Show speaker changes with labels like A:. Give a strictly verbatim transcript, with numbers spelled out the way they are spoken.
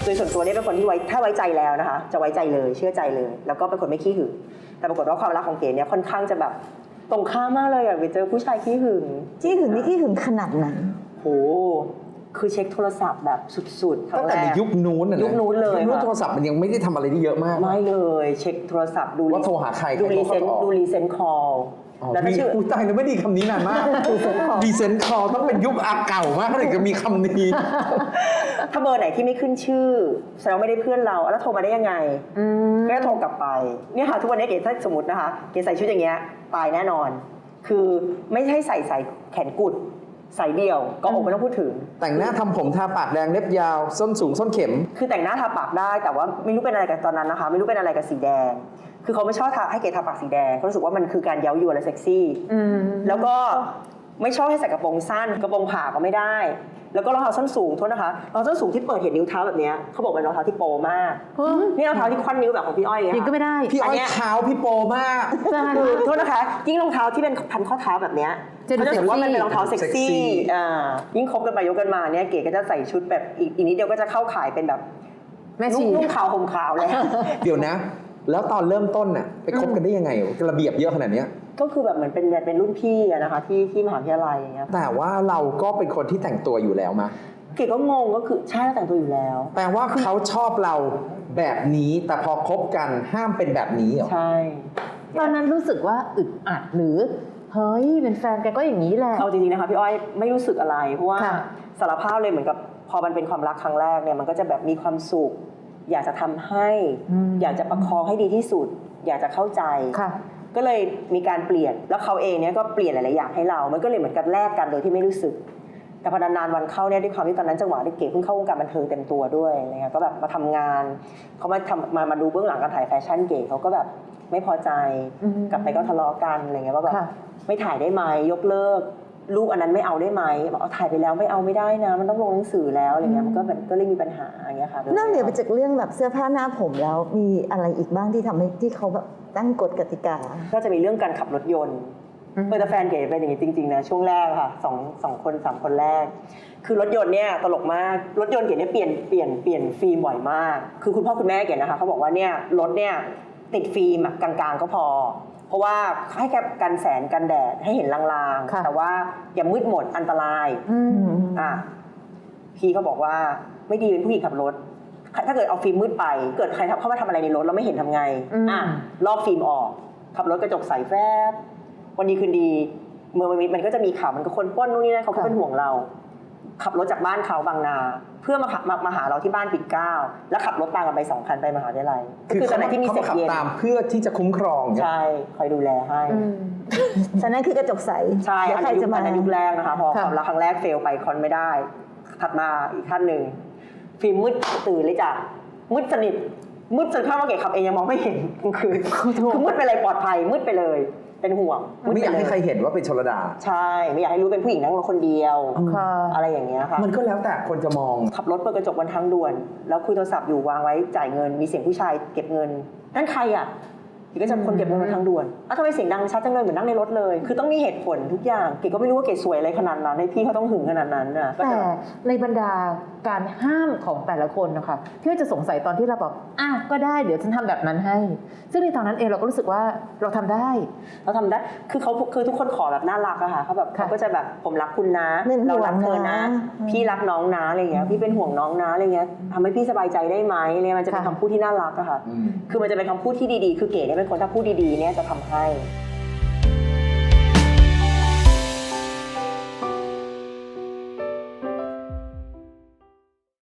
A: โดยส่วนตัวเนี่ยเป็นคนที่ไว้ถ้าไว้ใจแล้วนะคะจะไว้ใจเลยเชื่อใจเลยแล้วก็เป็นคนไม่ขี้หึงแต่ปรากฏว่าความรักของเก๋เนี่ยค่อนข้างจะแบบตรงข้ามมากเลยอะไปเจอผู้ชายขี้หึง
B: ขี้หึงนี่ขี้หึงขนาดไหน
A: โหคือเช็คโทรศัพท์แบบสุดๆ
C: ตั้งแต่ในยุคนู้นน่ะนะ
A: ยุคนู้นเลย
C: ยุคนู้น
A: ค่ะ
C: โทรศัพท์มันยังไม่ได้ทำอะไรที่เยอะมาก
A: ไม่เลยเช็คโทรศัพท์ดู
C: ว่าโทรหาใคร
A: ดู
C: ใคร
A: รี
C: โทร
A: เซน
C: เข้าออก
A: ดูรีเซนคอล
C: แล้วถ้าชื่อตายแล้วไม่ดีคำนี้นานมากดีเซนคอต้องเป็นยุคอาเก่ามากถึงจะมีคำนี้
A: ถ้าเบอร์ไหนที่ไม่ขึ้นชื่อแสดงว่าไม่ได้เพื่อนเราแล้วโทรมาได้ยังไงก็โทรกลับไปเนี่ยค่ะทุกวันนี้เก๋ถ้าสมมตินะคะเก๋ใส่ชุดอย่างเงี้ยตายแน่นอน คือไม่ใช่ใส่ใส่แขนกุดใส่เดี่ยวก็อกไม่ต้องพูดถึง
C: แต่งหน้าทำผมทาปากแดงเล็บยาวส้นสูงส้นเข็ม
A: คือแต่งหน้าทาปากได้แต่ว่าไม่รู้เป็นอะไรกันตอนนั้นนะคะไม่รู้เป็นอะไรกับสีแดงคือเขาไม่ชอบทาให้เก๋ทาปากสีแดงเขารู้สึกว่ามันคือการเย้ายวนและเซ็กซี่แล้วก็ไม่ชอบให้ใส่กระโปรงสั้นกระโปรงผ่าก็ไม่ได้แล้วก็รองเท้าส้นสูงโทษนะคะรองเท้าส้นสูงที่เปิดเห็นนิ้วเท้าแบบนี้เขาบอกเป็นรองเท้าที่โปมากนี่รองเท้าที่ควันนิ้วแบบของพี่อ้อยอย่าง
B: จริ
A: เงี้
B: ง
A: ย
B: ก็ไม่ได้
C: พี่อ้อยเท้าพี่โปมาก
A: คือโทษนะคะยิ่งรองเท้าที่เป็นพันข้อเท้าแบบเนี้ย
B: จะดู
A: เขาจะถือว่ามันเป็นรองเท้าเซ็ก
C: เซ็กซี่
A: ซี่อ่ายิ่งคบกันไปยกกันมาเนี่ยเก๋ก็จะใส่ชุดแบบอีกอีกนิดเดียวก็จะเข้าขายเป็นแบบ
B: แม่ชี
A: นุ่งขาวห่มขาวแล้ว
C: เดี๋ยวนะ แล้วตอนเริ่มต้นน่ะไปคบกันได้ยังไงระเบียบเยอะขนาดเนี้ย
A: ก็คือแบบเหมือนเป็นเป็นรุ่นพี่อะนะคะที่ที่มหาวิทยาลัยอย่างเงี้ย
C: แต่ว่าเราก็เป็นคนที่แต่งตัวอยู่แล้วมา
A: เก๋ก็งงก็คือใช่เราแต่งตัวอยู่แล้ว
C: แปลว่าเขาชอบเราแบบนี้แต่พอคบกันห้ามเป็นแบบนี้เหรอ
A: ใช่
B: ตอนนั้นรู้สึกว่าอึดอัดหรือเฮ้ยเป็นแฟนกันก็อย่างนี้แหละ
A: เอาจริงๆนะคะพี่อ้อยไม่รู้สึกอะไรเพราะว่า
B: ค่ะ
A: สารภาพเลยเหมือนกับพอมันเป็นความรักครั้งแรกเนี่ยมันก็จะแบบมีความสุข อยากจะทำให้ อยากจะประคองให้ดีที่สุด อยากจะเข้าใจ
B: ค่ะ
A: ก็เลยมีการเปลี่ยนแล้วเขาเองเนี่ยก็เปลี่ยนหลายๆอย่างให้เรา มันก็เลยเหมือนกับแลกกันโดยที่ไม่รู้สึก แต่พอนานๆวันเข้าเนี่ยด้วยความที่ตอนนั้นจังหวะที่เก๋เพิ่งเข้าวงการบันเทิงเต็มตัวด้วยอะไรเงี้ยก็แบบมาทำงานเขามาทำมามาดูเบื้องหลังการถ่ายแฟชั่นเก๋เขาก็แบบไม่พอใจ
B: อืม
A: กลับไปก็ทะเลาะกันอะไรเงี้ยว่าแบบ
B: ค่ะ
A: ไม่ถ่ายได้ไหมยกเลิกรูปอันนั้นไม่เอาได้ไหมบอกเอาถ่ายไปแล้วไม่เอาไม่ได้นะ มันต้องลงหนังสือแล้วอะไรเงี้ยมันก็แบบก็เลยมีปัญหาอย่างเงี้ยค่ะ
B: นอกเหนือไปจากเรื่องแบบเสื้อผ้าหน้าผมแล้วมีอะไรอีกบ้างที่ทำให้ที่เขาแบบตั้งกฎกติกา
A: ก็จะมีเรื่องการขับรถยนต์
B: อืม
A: เพื่อนแต่แฟนเก๋เป็นอย่างนี้จริงๆนะช่วงแรกค่ะสองสองคนสามคนแรก คือรถยนต์เนี่ยตลกมากรถยนต์เก๋เนี่ยเปลี่ยนเปลี่ยนเปลี่ยนฟิล์มบ่อยมาก คือคุณพ่อคุณแม่เก๋นะคะเขาบอกว่าเนี่ยรถเนี่ยติดฟิล์มอะกลางๆก็พอ เพราะว่าให้แค่กันแสงกันแดดให้เห็นลาง
B: ค่ะ
A: ๆแต่ว่าอย่ามืดหมดอันตราย
B: อืม
A: อ่ะพี่เขาบอกว่าไม่ดีเป็นผู้หญิงขับรถ ถ้าเกิดเอาฟิล์มมืดไป เกิดใครเข้ามาทำอะไรในรถเราไม่เห็นทำไง
B: อืม
A: อ่ะลอกฟิล์มออก ขับรถกระจกใสแฟบวันดีคืนดีเมื่อมันมีมันก็จะมีข่าวมันก็คนปล้นนู่นนี่นั่นเขาก็เป็นห่วงเรา ขับรถจากบ้านเขาบางนา เพื่อมาขับมามาหาเราที่บ้านปิ่นเกล้าแล้วขับรถตามกันไปสองคันไปมหาวิทยาลัย
C: คือ
A: ตอนนั้นที่มี
C: เขา
A: เสร็
C: มา
A: จ
C: ขับ
A: เย็น
C: ตามเพื่อที่จะคุ้มครองเนี่ย
A: ใช่คอยดูแลให้
B: ฉะนั้นคือกระจกใส
A: ใช่
B: เดี๋ยว
A: อัน
B: ใคร
A: นั้นยุ
B: จะ
A: ค
B: มา
A: อันนั้นยุคแรกนะคะพอ
B: ค่ะ
A: ความรักครั้งแรกเฟลไปคอนไม่ได้ ถัดมาอีกขั้นหนึ่งฟิล์มมืดตื่นเลยจ้ะมืดสนิทมืดจนข้ามว่าเก๋ขับเองยังมองไม่เห็นกลางคืนคือมืดไปเลยปลอดภัยมืดไปเลยเป็นห่วงด
C: ไม่อยาก
A: ปเล
C: ให้ใครเห็นว่าเป็นชลดา
A: ใช่ไม่อยากให้รู้เป็นผู้หญิงนั่งรถคนเดียว
B: ค่ะ
A: อะไรอย่างเงี้ยค่ะ
C: มันก็แล้วแต่คนจะมอง
A: ขับรถเปิดกระจกบนทางด่วน แล้วคุยโทรศัพท์อยู่วางไว้จ่ายเงินมีเสียงผู้ชายเก็บเงินนั่นใครอ่ะเก๋ก็จะคนเก็บเงินบนทางด่วนอ้าวทำไมเสียงดังชัดจังเลยเหมือนนั่งในรถเลย คือต้องมีเหตุผลทุกอย่างเก๋ก็ไม่รู้ว่าเก๋สวยอะไรขนาดนั้นให้พี่เขาต้องหึงขนาดนั้นน่ะก็
D: แต่
A: จะ
D: ในบรรดาการห้ามของแต่ละคนนะคะพี่ว่าจะสงสัยตอนที่เราบอกอ่ะก็ได้เดี๋ยวฉันทำแบบนั้นให้ ซึ่งในตอนนั้นเองเราก็รู้สึกว่าเราทำได้
A: เราทำได้ คือเขาคือทุกคนขอแบบน่ารักอะค่ะเขาแบบ
D: ค่ะ
A: เขาก็จะแบบผมรักคุณนะ
B: เป็นห่วง
A: เรารักเธอนะ
B: นะ
A: พี่รักน้องนะอะไรเงี้ย พี่เป็นห่วงน้องนะอะไรเงี้ยทำให้พี่สบายใจได้ไหมอะไรมันจะเป็น
D: ค่ะ
A: คำพูดที่น่ารักอะค่ะ
C: อืม
A: คือมันจะเป็นคำพูดที่ดีๆ คือเก๋เนี่ยเป็นคนถ้าพูดดีๆเนี่ยจะทำให้